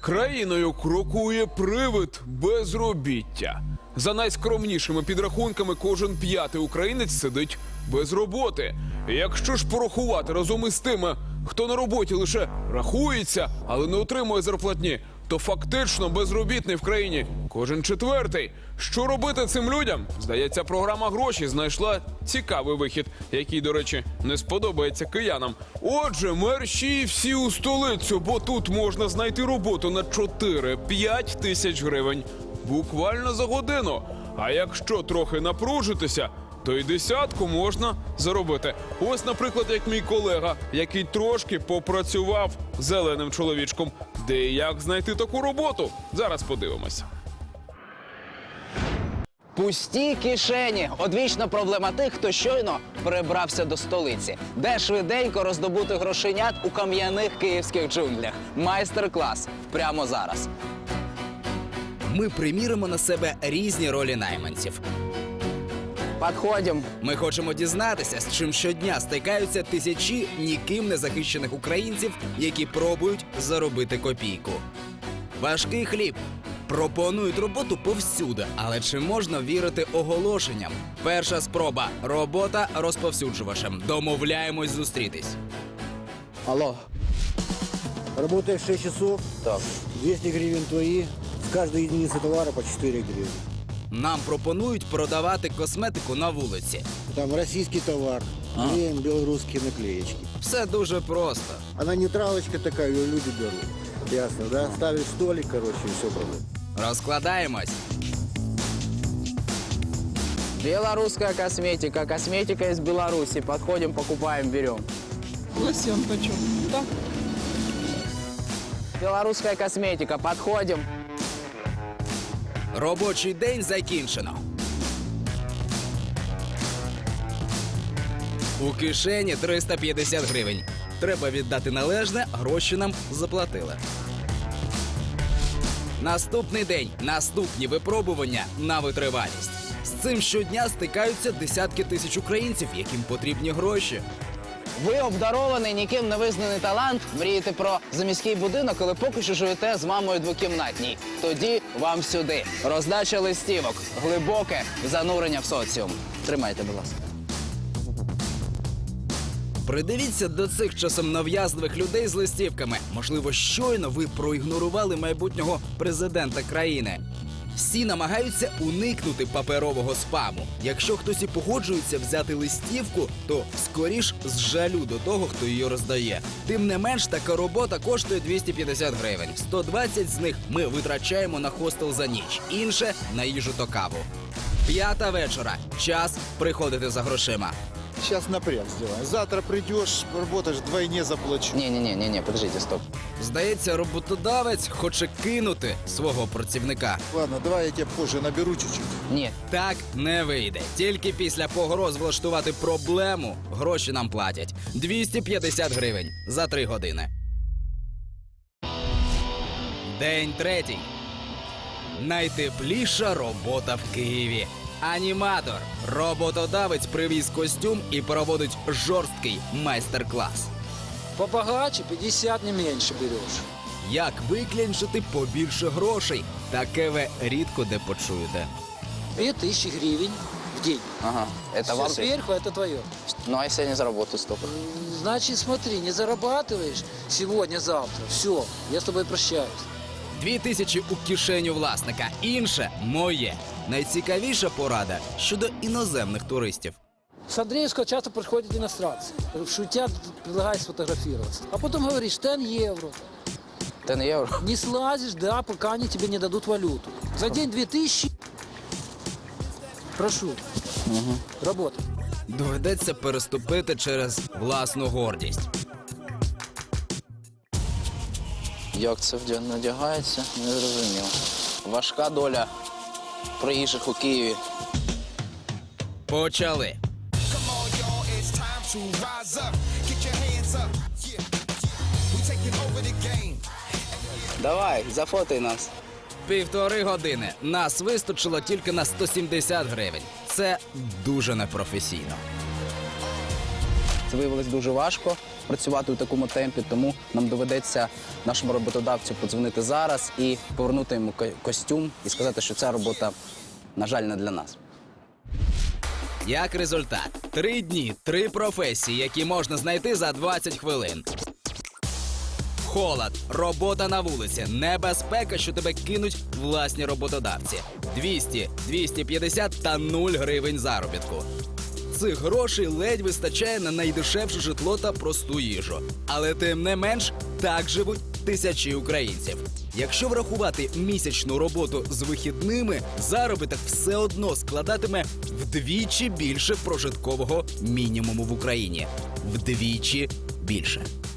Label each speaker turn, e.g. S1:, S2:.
S1: Країною крокує привид безробіття. За найскромнішими підрахунками, кожен п'ятий українець сидить без роботи. Якщо ж порахувати разом із тими, хто на роботі лише рахується, але не отримує зарплатні, то фактично безробітний в країні кожен четвертий. Що робити цим людям? Здається, програма «Гроші» знайшла цікавий вихід, який, до речі, не сподобається киянам. Отже, мерщій всі у столицю, бо тут можна знайти роботу на 4-5 тисяч гривень. Буквально за годину. А якщо трохи напружитися, то й десятку можна заробити. Ось, наприклад, як мій колега, який трошки попрацював зеленим чоловічком. Де і як знайти таку роботу? Зараз подивимося.
S2: Пусті кишені – одвічна проблема тих, хто щойно перебрався до столиці. Де швиденько роздобути грошенят у кам'яних київських джунглях. Майстер-клас прямо зараз.
S3: Ми приміримо на себе різні ролі найманців.
S2: Підходимо.
S3: Ми хочемо дізнатися, з чим щодня стикаються тисячі ніким не захищених українців, які пробують заробити копійку. Важкий хліб. Пропонують роботу повсюди, але чи можна вірити оголошенням? Перша спроба – робота розповсюджувачем. Домовляємось зустрітись.
S2: Алло.
S4: Работаешь 6 часов,
S2: Так.
S4: 200 гривен твои, с каждой единицы товара по 4 гривны.
S3: Нам пропонують продавати косметику на вулиці.
S4: Там российский товар, клеим белорусские наклеечки.
S3: Все дуже просто.
S4: Она нейтралочка такая, ее люди берут. Ясно, да? Ставишь столик, короче, и все проблем.
S3: Розкладаємось.
S2: Белорусская косметика. Косметика из Беларуси. Подходим, покупаем, берем.
S5: Лосьон почем? Да.
S2: Белорусская косметика. Подходим.
S3: Робочий день закінчено. У кишені 350 гривень. Треба віддати належне, гроші нам заплатили. Наступний день, наступні випробування на витривалість. З цим щодня стикаються десятки тисяч українців, яким потрібні гроші.
S2: Ви обдарований, ніким не визнаний талант, мрієте про заміський будинок, але поки що живете з мамою двокімнатній. Тоді вам сюди. Роздача листівок, глибоке занурення в соціум. Тримайте, будь ласка.
S3: Придивіться до цих часом нав'язливих людей з листівками. Можливо, щойно ви проігнорували майбутнього президента країни. Всі намагаються уникнути паперового спаму. Якщо хтось і погоджується взяти листівку, то скоріш з жалю до того, хто її роздає. Тим не менш, така робота коштує 250 гривень. 120 з них ми витрачаємо на хостел за ніч, інше – на їжу та каву. 5 вечора. Час приходити за грошима.
S6: Сейчас напряг сделаем. Завтра придешь, работаешь, вдвойне заплачу.
S2: Ні, подождите, стоп.
S3: Здається, роботодавець хоче кинути свого працівника.
S6: Ладно, давай я тебя позже наберу чуть-чуть.
S2: Ні.
S3: Так не вийде. Тільки після погроз влаштувати проблему гроші нам платять. 250 гривень за 3 години. День третій. Найтепліша робота в Києві. Аніматор. Роботодавець привіз костюм і проводить жорсткий майстер-клас.
S7: Побогаче 50, не меньше берешь.
S3: Як виклянчити побільше грошей? Таке ви рідко де почуєте.
S7: 2000 гривен в день.
S2: Ага, это
S7: Все
S2: вам?
S7: сверху это твое.
S2: Ну, а если я не заработаю столько?
S7: Значит, смотри, не зарабатываешь сегодня-завтра. Все, я с тобой прощаюсь.
S3: 2000 у кишеню власника. Інше – моє. Найцікавіша порада щодо іноземних туристів.
S7: С Андреевского часто приходят иностранцы. Шутят, предлагают сфотографироваться. А потом говоришь, 10 евро.
S2: 10 євро?
S7: Не слазишь, да, пока они тебе не дадут валюту. За день 2000. Прошу. Работай.
S3: Доведеться переступити через власну гордість.
S2: Як це надягається, не зрозуміло. Важка доля приїжджих у Києві.
S3: Почали.
S2: Давай, зафотай нас.
S3: 1,5 години. Нас вистачило тільки на 170 гривень. Це дуже непрофесійно.
S2: Це виявилось дуже важко. працювати у такому темпі, тому нам доведеться нашому роботодавцю подзвонити зараз і повернути йому костюм і сказати, що ця робота, на жаль, не для нас.
S3: Як результат, 3 дні, 3 професії, які можна знайти за 20 хвилин. Холод, робота на вулиці, небезпека, що тебе кинуть власні роботодавці. 200, 250 та 0 гривень заробітку. Цих грошей ледь вистачає на найдешевше житло та просту їжу. Але тим не менш, так живуть тисячі українців. Якщо врахувати місячну роботу з вихідними, заробіток все одно складатиме вдвічі більше прожиткового мінімуму в Україні. Вдвічі більше.